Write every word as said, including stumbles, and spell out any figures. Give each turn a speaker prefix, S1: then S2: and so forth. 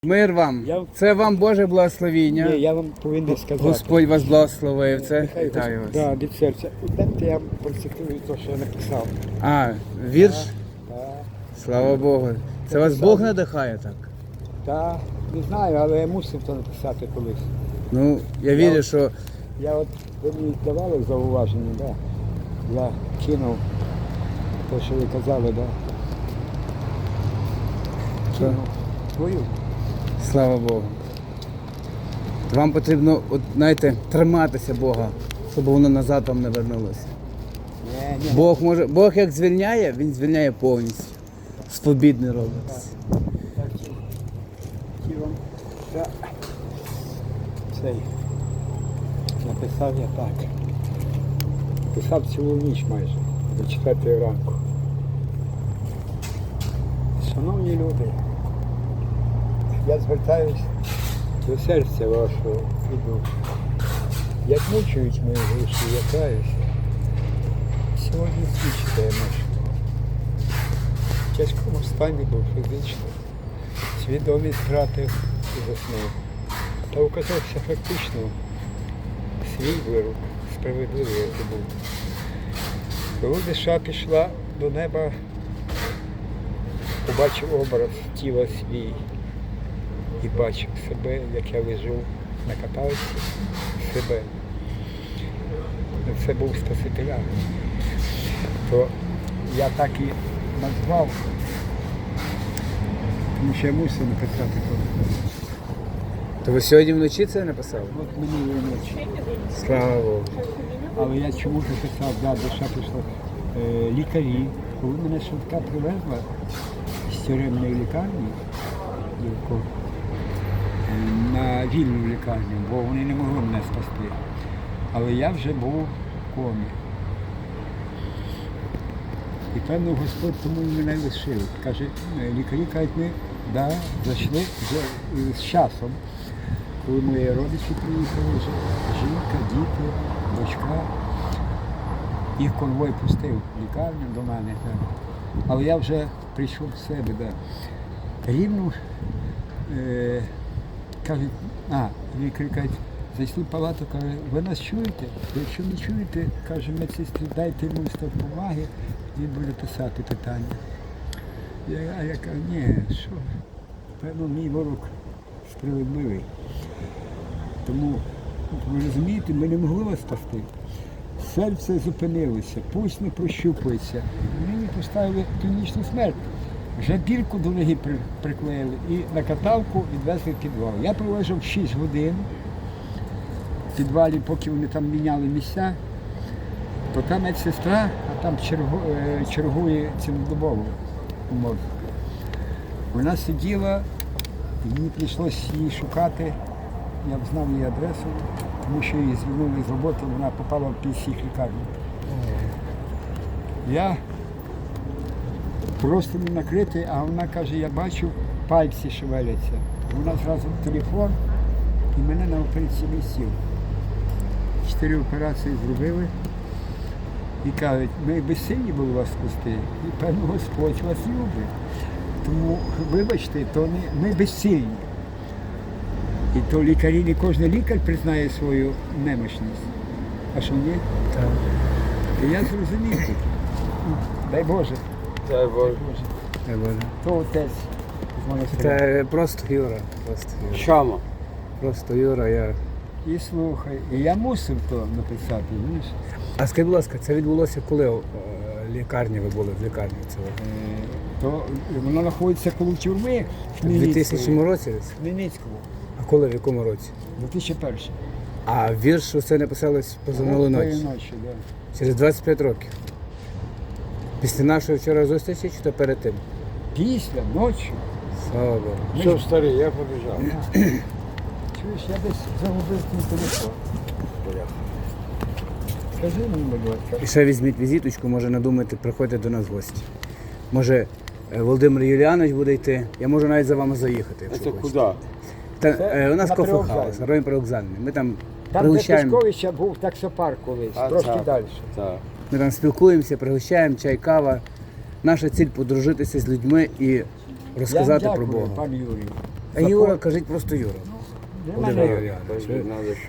S1: Мир вам.
S2: Я-
S1: Це вам Боже благословіння.
S2: Ні, я вам повинен сказати.
S1: Господь вас благословив. Це
S2: Нехай
S1: вітаю
S2: Господь-
S1: вас.
S2: Да, від серця. Дайте я вам процитую те, що я написав.
S1: А, вірш?
S2: Так,
S1: Слава Богу. Це вас Бог надихає так?
S2: так, не знаю, але я мусив то написати колись.
S1: Ну, я вірю, що
S2: Я от, ви мені давали зауваження, да? Я кинув те, що ви казали, да? Кинув твою.
S1: слава Богу. Вам потрібно, от, знаєте, триматися Бога, щоб воно назад вам не вернулося.
S2: Ні, ні.
S1: Бог може, Бог як звільняє, Він звільняє повністю. Свобідний робиться.
S2: Так, ті- ті вам, да. Цей. Написав я так. Писав цілу ніч майже, до четвертої ранку. Шановні люди, я звертаюсь до серця вашого і душі. Як мучують мої гріші, я каюсь. Сьогодні свідчите я ношу. В тяжкому стані був фізично. Свідомість втратив і заснув. Та оказався фактично свій вирок, справедливий як і був. Коли душа пішла до неба, побачив образ тіла свій і бачив себе, як я лежу на каталці, себе. Це був Спасителя. То я так і назвав, тому що я мусив написати то.
S1: То ви сьогодні вночі це написали?
S2: От минулої ночі.
S1: Слава Богу.
S2: Але я чому написав, да, душа пішла. Е, лікарі, коли мене швидка привезла з тюремної лікарні Юрко, е, на вільну лікарню, бо вони не могли мене спасти. Але я вже був в комі. І певно Господь тому і мене лишив. Каже, е, лікарі кажуть, ми да, зайшли вже е, з часом, коли мої родичі приїхали, вже жінка, діти, дочка. Їх конвой пустив в лікарню до мене. Так. Але я вже прийшов в себе. Да. Рівно е, кажуть, а, лікарі кажуть, зайшли в палату, каже, ви нас чуєте? Якщо не чуєте, каже, медсестрі, дайте йому листок бумаги, він буде писати питання. Я, а я кажу, ні, що, певно, мій ворог справедливий. Тому, ви розумієте, ми не могли вас спасти. Серце зупинилося, пульс не прощупується. Мені поставили клінічну смерть. Вже бірку до ноги при- приклеїли і на каталку відвезли в підвал. Я провожив шість годин в підвалі, поки вони там міняли місця, то там медсестра, а там чергу, е, чергує цілодобово у морзі. Вона сиділа, їй прийшлося її шукати. Я б знав її адресу, тому що її звільнили з роботи, вона попала в п'ятдесят лікарню. Я просто не накритий, а вона каже, я бачу, пальці шевеляться. Вона зразу в телефон і мене на операційний сіл. Чотири операції зробили і кажуть, ми безсильні були вас спасти, і певно Господь вас любить. Тому, вибачте, то не, ми безсильні. І то лікарі, не кожен лікар признає свою немощність. А що ні?
S1: Так.
S2: І я зрозумів таки. Дай Боже.
S1: Дай Боже. Дай Боже.
S2: То отець з монастиря.
S1: Це просто Юра. Просто Юра.
S2: Чому?
S1: Просто Юра, я.
S2: І слухай. І я мусив то написати, знаєш.
S1: А скажіть, будь ласка, це відбулося коли в лікарні ви були в лікарні? Це ви?
S2: Е, То воно знаходиться коло тюрми в
S1: У двохтисячному
S2: Хмельницькому.
S1: році? десь?
S2: Хмельницькому.
S1: А коли, в якому році?
S2: дві тисячі перший.
S1: А вірш це написалось позаминулу
S2: Тої
S1: ночі.
S2: ночі, да.
S1: Через двадцять п'ять років. Після нашої вчора зустрічі чи то перед тим?
S2: Після, ночі.
S1: Слава Богу.
S3: Все, старий, я побіжав.
S2: Чуєш, я десь загубив твій телефон. Скажи мені, будь ласка.
S1: І ще візьміть візиточку, може надумайте, приходьте до нас в гості. Може е, Володимир Юліанович буде йти, я можу навіть за вами заїхати, якщо
S3: Це
S1: хочете.
S3: куди?
S1: Та,
S2: Це
S1: е, у нас
S2: на
S1: кофехаус,
S2: Привокзальній.
S1: район Привокзальний. Ми там
S2: Там, де
S1: пригощаємо,
S2: Пешковича був таксопарк колись,
S3: А,
S2: трошки
S3: так.
S2: далі.
S3: Так.
S1: ми там спілкуємося, пригощаємо, чай, кава. Наша ціль подружитися з людьми і розказати
S2: Я
S1: про
S2: дякую,
S1: Бога.
S2: пан Юрій.
S1: А Юра, кажіть просто Юра.
S2: Для мене Юрій.
S3: Надо,